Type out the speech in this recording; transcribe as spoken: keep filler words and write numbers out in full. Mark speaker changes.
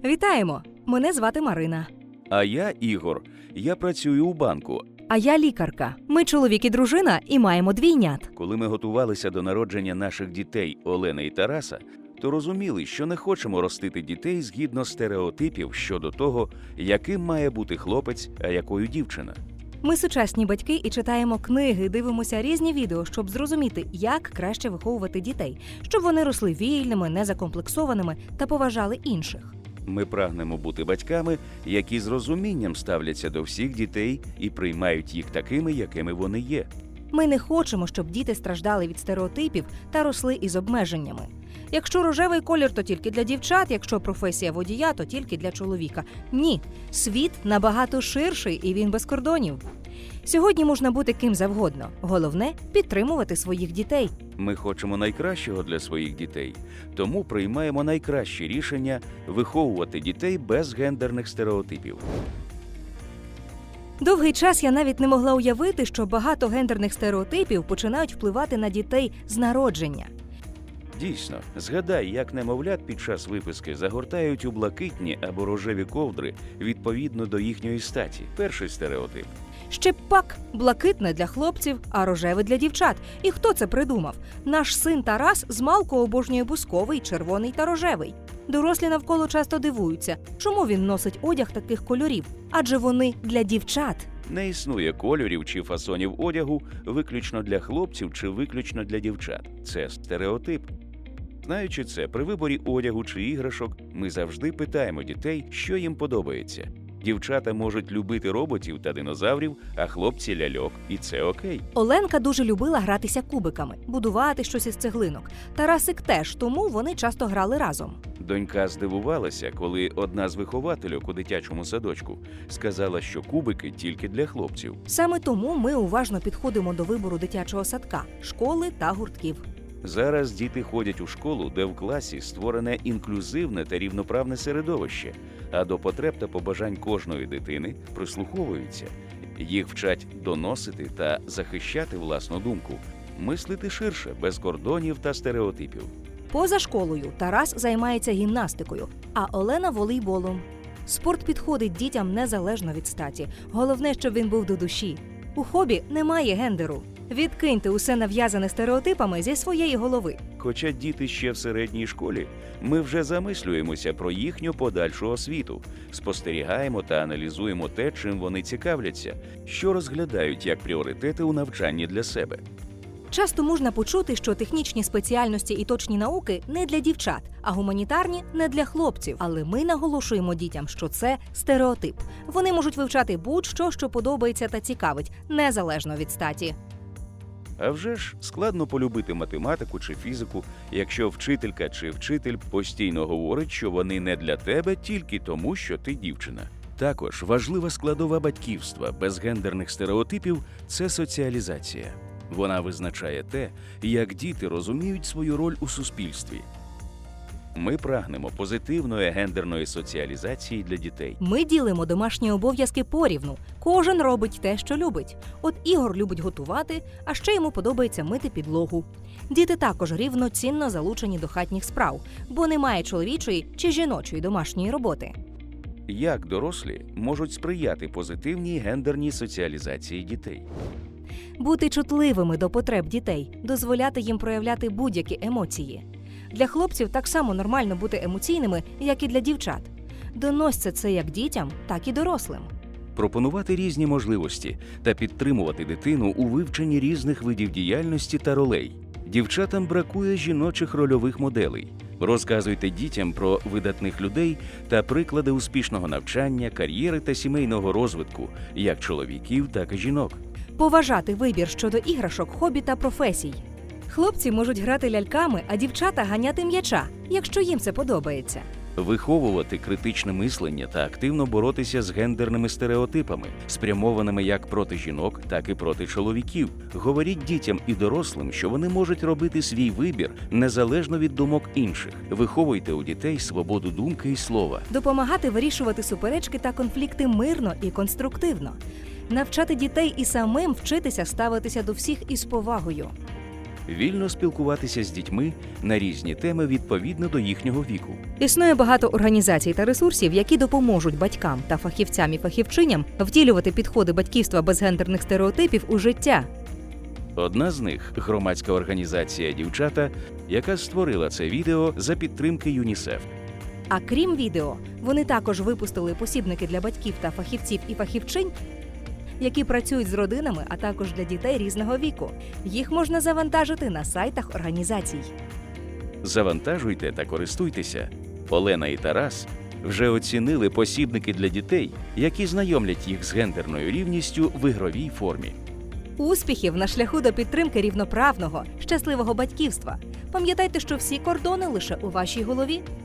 Speaker 1: Вітаємо! Мене звати Марина.
Speaker 2: А я Ігор. Я працюю у банку.
Speaker 1: А я лікарка. Ми чоловік і дружина і маємо двійнят.
Speaker 2: Коли ми готувалися до народження наших дітей Олени і Тараса, то розуміли, що не хочемо ростити дітей згідно стереотипів щодо того, яким має бути хлопець, а якою дівчина.
Speaker 1: Ми сучасні батьки і читаємо книги, дивимося різні відео, щоб зрозуміти, як краще виховувати дітей, щоб вони росли вільними, незакомплексованими та поважали інших.
Speaker 2: Ми прагнемо бути батьками, які з розумінням ставляться до всіх дітей і приймають їх такими, якими вони є.
Speaker 1: Ми не хочемо, щоб діти страждали від стереотипів та росли із обмеженнями. Якщо рожевий колір, то тільки для дівчат, якщо професія водія, то тільки для чоловіка. Ні, світ набагато ширший і він без кордонів. Сьогодні можна бути ким завгодно. Головне – підтримувати своїх дітей.
Speaker 2: Ми хочемо найкращого для своїх дітей, тому приймаємо найкращі рішення виховувати дітей без гендерних стереотипів.
Speaker 1: Довгий час я навіть не могла уявити, що багато гендерних стереотипів починають впливати на дітей з народження.
Speaker 2: Дійсно, згадай, як немовлят під час виписки загортають у блакитні або рожеві ковдри відповідно до їхньої статі. Перший стереотип.
Speaker 1: Ще пак блакитне для хлопців, а рожеве для дівчат. І хто це придумав? Наш син Тарас змалку обожнює бусковий, червоний та рожевий. Дорослі навколо часто дивуються, чому він носить одяг таких кольорів, адже вони для дівчат.
Speaker 2: Не існує кольорів чи фасонів одягу виключно для хлопців чи виключно для дівчат. Це стереотип. Знаючи це, при виборі одягу чи іграшок ми завжди питаємо дітей, що їм подобається. Дівчата можуть любити роботів та динозаврів, а хлопці – ляльок. І це окей.
Speaker 1: Оленка дуже любила гратися кубиками, будувати щось із цеглинок. Тарасик теж, тому вони часто грали разом.
Speaker 2: Донька здивувалася, коли одна з виховательок у дитячому садочку сказала, що кубики тільки для хлопців.
Speaker 1: Саме тому ми уважно підходимо до вибору дитячого садка, школи та гуртків.
Speaker 2: Зараз діти ходять у школу, де в класі створене інклюзивне та рівноправне середовище, а до потреб та побажань кожної дитини прислуховуються. Їх вчать доносити та захищати власну думку, мислити ширше, без кордонів та стереотипів.
Speaker 1: Поза школою Тарас займається гімнастикою, а Олена – волейболом. Спорт підходить дітям незалежно від статі. Головне, щоб він був до душі. У хобі немає гендеру. Відкиньте усе нав'язане стереотипами зі своєї голови.
Speaker 2: Хоча діти ще в середній школі, ми вже замислюємося про їхню подальшу освіту, спостерігаємо та аналізуємо те, чим вони цікавляться, що розглядають як пріоритети у навчанні для себе.
Speaker 1: Часто можна почути, що технічні спеціальності і точні науки не для дівчат, а гуманітарні – не для хлопців. Але ми наголошуємо дітям, що це стереотип. Вони можуть вивчати будь-що, що подобається та цікавить, незалежно від статі.
Speaker 2: А вже ж складно полюбити математику чи фізику, якщо вчителька чи вчитель постійно говорить, що вони не для тебе тільки тому, що ти дівчина. Також важлива складова батьківства без гендерних стереотипів – це соціалізація. Вона визначає те, як діти розуміють свою роль у суспільстві. Ми прагнемо позитивної гендерної соціалізації для дітей.
Speaker 1: Ми ділимо домашні обов'язки порівну. Кожен робить те, що любить. От Ігор любить готувати, а ще йому подобається мити підлогу. Діти також рівноцінно залучені до хатніх справ, бо немає чоловічої чи жіночої домашньої роботи.
Speaker 2: Як дорослі можуть сприяти позитивній гендерній соціалізації дітей?
Speaker 1: Бути чутливими до потреб дітей, дозволяти їм проявляти будь-які емоції. Для хлопців так само нормально бути емоційними, як і для дівчат. Доносьте це як дітям, так і дорослим.
Speaker 2: Пропонувати різні можливості та підтримувати дитину у вивченні різних видів діяльності та ролей. Дівчатам бракує жіночих рольових моделей. Розказуйте дітям про видатних людей та приклади успішного навчання, кар'єри та сімейного розвитку, як чоловіків, так і жінок.
Speaker 1: Поважати вибір щодо іграшок, хобі та професій. Хлопці можуть грати ляльками, а дівчата ганяти м'яча, якщо їм це подобається.
Speaker 2: Виховувати критичне мислення та активно боротися з гендерними стереотипами, спрямованими як проти жінок, так і проти чоловіків. Говоріть дітям і дорослим, що вони можуть робити свій вибір незалежно від думок інших. Виховуйте у дітей свободу думки і слова.
Speaker 1: Допомагати вирішувати суперечки та конфлікти мирно і конструктивно. Навчати дітей і самим вчитися ставитися до всіх із повагою.
Speaker 2: вільно спілкуватися з дітьми на різні теми відповідно до їхнього віку.
Speaker 1: Існує багато організацій та ресурсів, які допоможуть батькам та фахівцям і фахівчиням втілювати підходи батьківства без гендерних стереотипів у життя.
Speaker 2: Одна з них – громадська організація «Дівчата», яка створила це відео за підтримки ЮНІСЕФ.
Speaker 1: А крім відео, вони також випустили посібники для батьків та фахівців і фахівчинь, які працюють з родинами, а також для дітей різного віку. Їх можна завантажити на сайтах організацій.
Speaker 2: Завантажуйте та користуйтеся. Олена і Тарас вже оцінили посібники для дітей, які знайомлять їх з гендерною рівністю в ігровій формі.
Speaker 1: Успіхів на шляху до підтримки рівноправного, щасливого батьківства. Пам'ятайте, що всі кордони лише у вашій голові.